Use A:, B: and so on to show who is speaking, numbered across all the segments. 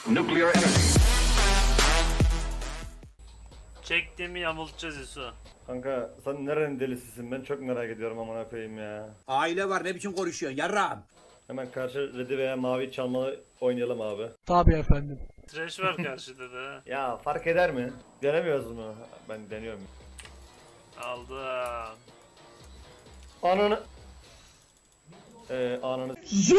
A: nuclear energy.
B: Çektiğimi yamultacağız Yusuf.
C: Kanka sen nerenin delisisin? Ben çok merak ediyorum amına koyayım ya.
D: Aile var ne biçim konuşuyorsun yarrağım.
C: Hemen karşı redi veya mavi çalmalı oynayalım abi.
E: Tabii efendim.
B: Trash var karşıda da.
C: Ya fark eder mi? Denemiyoruz mu? Ben deniyorum.
B: Aldım.
C: Ananı... Ananı...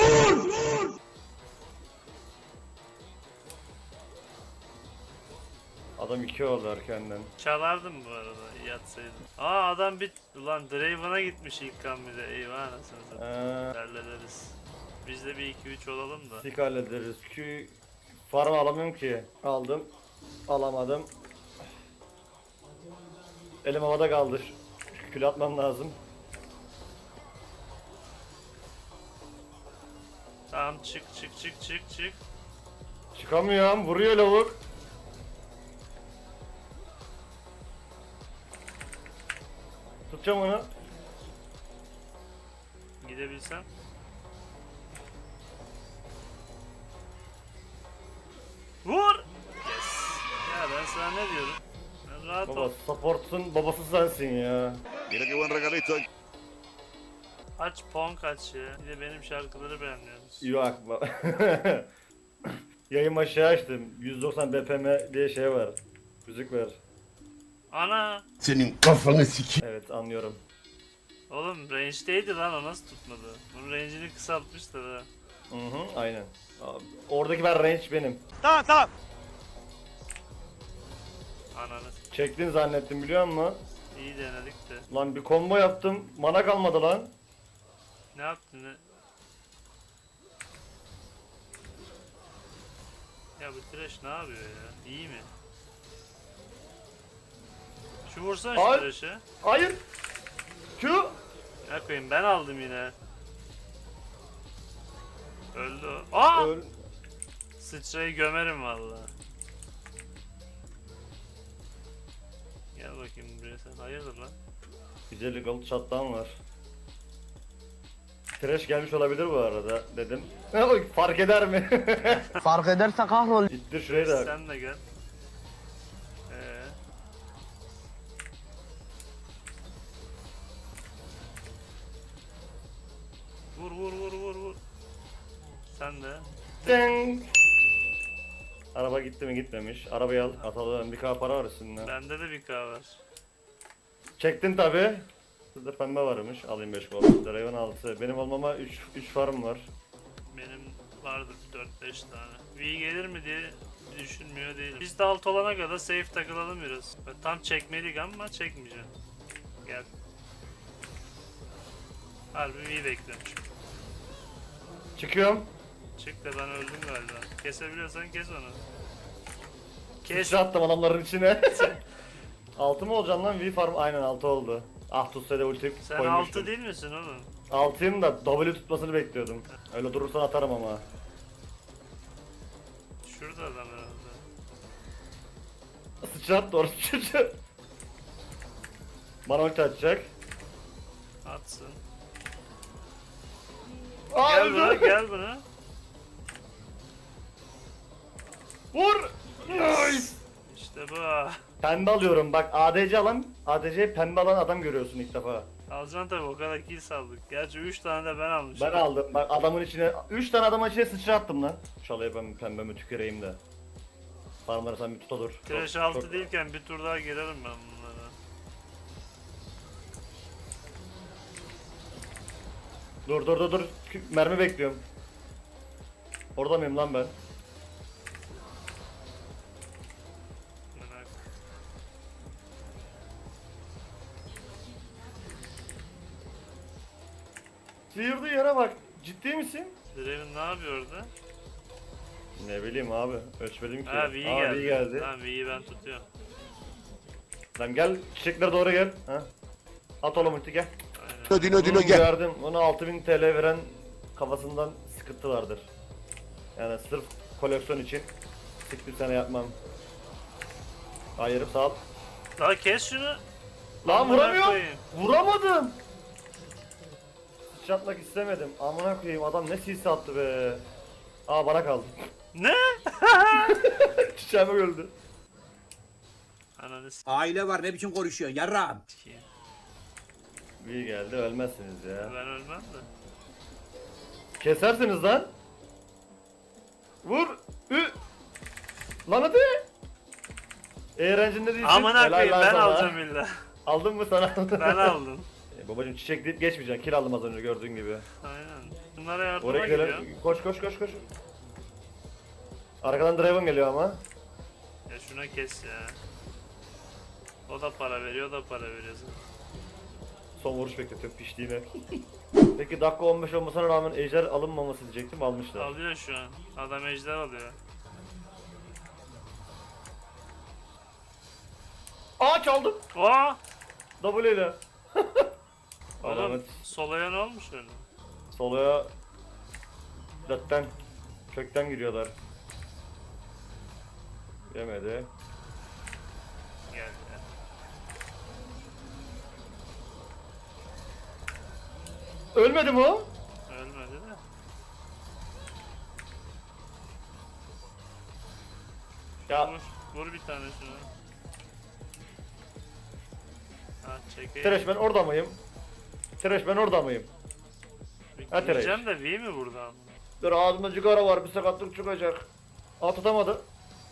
C: Adam 2 oldu erkenden.
B: Çalardım bu arada yatsaydım. Aa adam bir... Ulan Draven'a gitmiş ilk kan bir de. Eyvah anasını satayım. Hallederiz. Biz de bir 2-3 olalım da.
C: Sik hallederiz. Farm alamıyorum ki. Aldım. Alamadım. Elim havada kaldı. Kül atmam lazım.
B: Tamam çık.
C: Çıkamıyorum. Vuruyor lavuk. Tutacağım onu.
B: Gidebilsem. Vur! Yes. Ya ben sana ne diyorum? Ben rahat
C: Baba
B: ol.
C: support'un babası sensin ya.
A: Mira qué buen regalito.
B: Aç Pong aç ya. Bir de benim şarkıları beğenmiyorsunuz.
C: Yok Yayın aşağı açtım. 190 BPM diye şey var. Müzik var.
B: Ana!
F: Senin kafanı siki.
C: Evet anlıyorum.
B: Oğlum range'deydi lan o nasıl tutmadı? Bunun range'ini kısaltmışlar ha.
C: Hı aynen. Abi, oradaki ben range benim.
B: Ananı
C: Çektin zannettim biliyor musun?
B: iyi denedik de.
C: Lan bir combo yaptım. Mana kalmadı lan.
B: Ne yaptın ne? Ya bu trash ne yapıyor ya? İyi mi? Şu vursana şu
C: Ay.
B: trash'e.
C: Hayır. Q.
B: Ne koyayım ben aldım yine. Öldü o. Aa!
C: Öl.
B: Sıçrayı gömerim valla. Gel bakayım buraya sen. Hayırdır lan?
C: Güzel gold shot'tan var. Trash gelmiş olabilir bu arada dedim. Fark eder mi?
E: Fark ederse kahrol.
C: İttir şurayı da.
B: Sen de gel. Vur. Sen de.
C: Ding. Araba gitti mi gitmemiş. Arabayı al atalım. Bir k para var üstünde.
B: Bende de bir K var.
C: Çektin tabi. Burada pembe varmış. Alayım 5 gol. Draven 6. Benim olmama 3 farm var.
B: Benim vardı 4-5 tane. V gelir mi diye düşünmüyor değilim. Biz de alt olana kadar safe takılalım biraz. Tam çekmedik ama çekmeyeceğim. Gel. Harbi V bekliyorum.
C: Çıkıyorum.
B: Çık da ben öldüm galiba. Kesebiliyorsan kes onu. Kes.
C: Sıçra attım adamların içine. 6 mı olacaksın lan? V farm aynen 6 oldu. Ah tutsaydı ulti
B: Sen
C: koymuştum.
B: 6 değil misin oğlum?
C: 6'yım da W tutmasını bekliyordum. Öyle durursan atarım ama.
B: Şurada adam herhalde.
C: Sıçra attı orası çocuğu. Bana ulti atacak.
B: Atsın.
C: Aa,
B: Gel
C: öldü.
B: buna gel buna.
C: Vur. Nice.
B: İşte bu.
C: Pembe alıyorum bak ADC alan, ADC pembe alan adam görüyorsun ilk defa.
B: Alacaksın tabi o kadar kill saldık. Gerçi 3 tane de ben almışım.
C: Ben aldım bak adamın içine 3 tane adamın içine sıçra attım lan. Şalaya ben pembemi tüküreyim de. Farmları sen bir tut olur.
B: Trash 6 değilken bir tur daha girerim ben bunlara.
C: Dur. Mermi bekliyorum. Orada mıyım lan ben?
B: Merak.
C: Sıyırdığı yere bak. Ciddi misin?
B: Draven ne yapıyor orada?
C: Ne bileyim abi. Ölçmedim ki.
B: Ha V geldi.
C: V geldi.
B: Tamam V'yi ben tutuyorum.
C: Lan gel çiçeklere doğru gel. Ha? At oğlum ulti gel.
B: Aynen.
F: Dino gel.
C: Gördüm. Ona 6000 TL veren kafasından sıkıntı vardır. Yani sırf koleksiyon için siktir sene yapmam. Hayır sağ ol.
B: Daha kes şunu.
C: Lan
B: Amına
C: vuramıyorum.
B: koyayım.
C: Vuramadım. Sıçratmak istemedim. Amına koyayım adam ne sis attı be. Aa bana kaldı.
B: Ne?
C: Çiçeğime öldü.
B: Ananı
D: Aile var ne biçim konuşuyorsun yarrağım.
B: s**eyim.
C: İyi geldi ölmezsiniz ya.
B: Ben ölmem de.
C: Kesersiniz lan. Vur. Ü. Lan hadi. Eğlencinde değilsin.
B: Amına
C: Helal
B: koyayım
C: lan
B: ben
C: sana.
B: alacağım illa.
C: Aldın mı sana?
B: Ben aldım.
C: Babacım çiçek deyip geçmeyeceksin. Kill aldım az önce gördüğün gibi.
B: Aynen. Bunlara yardıma
C: Oraya
B: gidiyor.
C: gidelim. Koş koş koş koş. Arkadan Draven geliyor ama.
B: Ya şuna kes ya. O da para veriyor, o da para veriyor.
C: Son vuruş bekletiyor piştiğine. Peki dakika 15 olmasına rağmen ejder alınmaması diyecektim, almışlar.
B: Alıyor şu an. Adam ejder alıyor.
C: Aa çaldım.
B: Oha!
C: W ile.
B: Oğlum
C: Alamet
B: solaya ne olmuş öyle?
C: soloya zaten kökten giriyorlar. Yemedi.
B: Geldi ya.
C: Ölmedi mi o?
B: Ölmedi de.
C: Ya
B: Vur, vur bir tane şuna. Ha çekeyim.
C: Tereş ben orada mıyım? Tereş ben orada mıyım? Ha, Tereş.
B: Gideceğim de V mi buradan?
C: Dur ağzımda cigara var, bir sakatlık çıkacak. Aa tutamadı.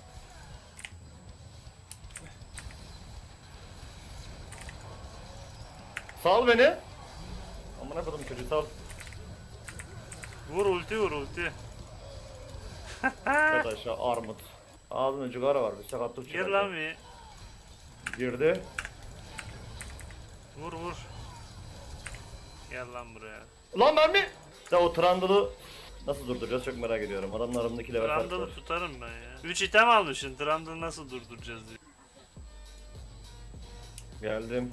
C: Sal beni. Amına koydum çocuğu sal.
B: Vur ulti vur ulti.
C: Yat aşağı armut. Ağzımda cigara var, bir sakatlık
B: Gir
C: çıkacak.
B: lan V.
C: Girdi.
B: Vur vur. Gel lan buraya.
C: Lan mermi! Ya o Trundle'ı nasıl durduracağız çok merak ediyorum. Adamın aramındaki level farkı var.
B: Trundle'ı tutarım ben ya. 3 item almışsın. Trundle'ı nasıl durduracağız diye.
C: Geldim.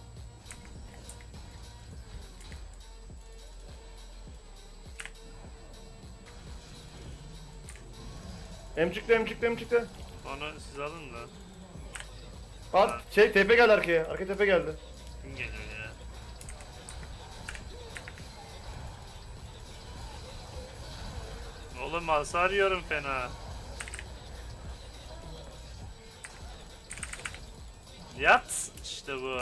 C: Emcikle.
B: Onu siz alın da.
C: At şey tepe geldi arkaya. Arka tepe geldi.
B: Kim geliyor ya? Oğlum hasar yiyorum fena. Yat! İşte bu.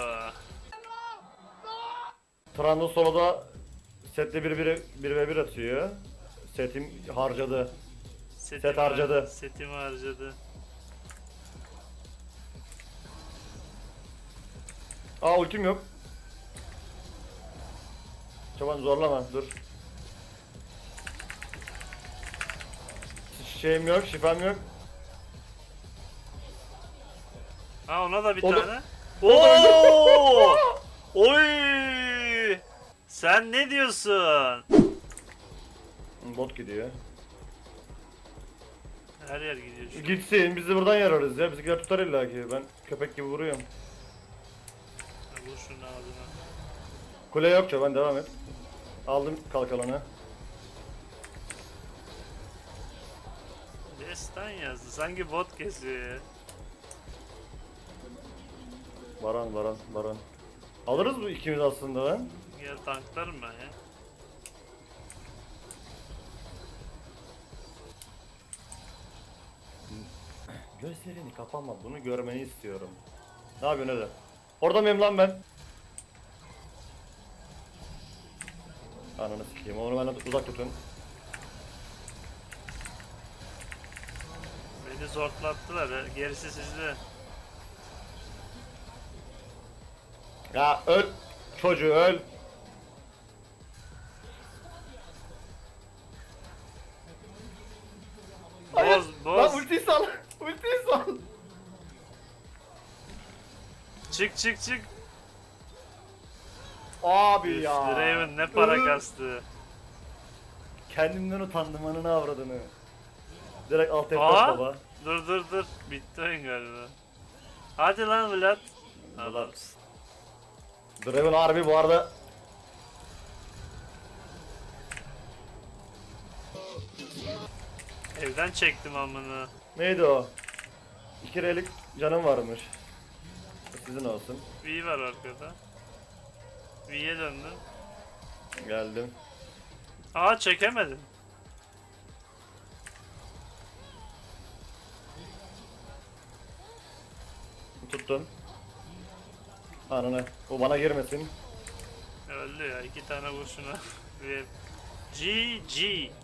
C: Trundle soloda sette 1v1 atıyor. Setim harcadı.
B: Setimi
C: harcadı.
B: Setimi harcadı.
C: Aa ultim yok. Çoban zorlama dur. Şeyim yok, şifam yok.
B: Ha ona da bir
C: O da-
B: tane. Oo! Oy! Sen ne diyorsun?
C: Bot gidiyor.
B: Her yer gidiyor şu an.
C: Gitsin biz de buradan yararız ya. Bizimkiler tutar illa ki. Ben köpek gibi vuruyorum.
B: Vur şunun ağzına.
C: Kule yok çoban devam et. Aldım kalkalanı.
B: Destan yazdı. Sanki bot kesiyor ya.
C: Baran. Alırız bu ikimiz aslında lan.
B: Gel tanklarım ben ya.
C: Gözlerini kapama bunu görmeni istiyorum. Ne yapıyorsun öyle? Orada mıyım lan ben? Ananı sikeyim onu benden uzak tutun.
B: Beni zortlattılar ya. Gerisi sizde.
C: Ya öl! Çocuğu öl!
B: Boz
C: Lan
B: boz.
C: ultiyi sal! Ultiyi sal!
B: Çık.
C: Abi
B: Üf,
C: ya!
B: Draven ne para
C: Iı,
B: kastı.
C: Kendimden utandım ananı avradını. Direkt alt F4
B: Aa!
C: baba.
B: Dur. Bitti oyun galiba. Hadi lan Vlad.
C: Vlad.
B: Adamsın.
C: Draven harbi bu arada
B: Evden çektim amına.
C: neydi o? 2 relik canım varmış. Sizin olsun.
B: V var arkada. V'ye döndüm.
C: Geldim.
B: Aa çekemedim.
C: Tuttum. Ananı. O bana girmesin.
B: Öldü ya 2 tane vurşuna. Ve GG.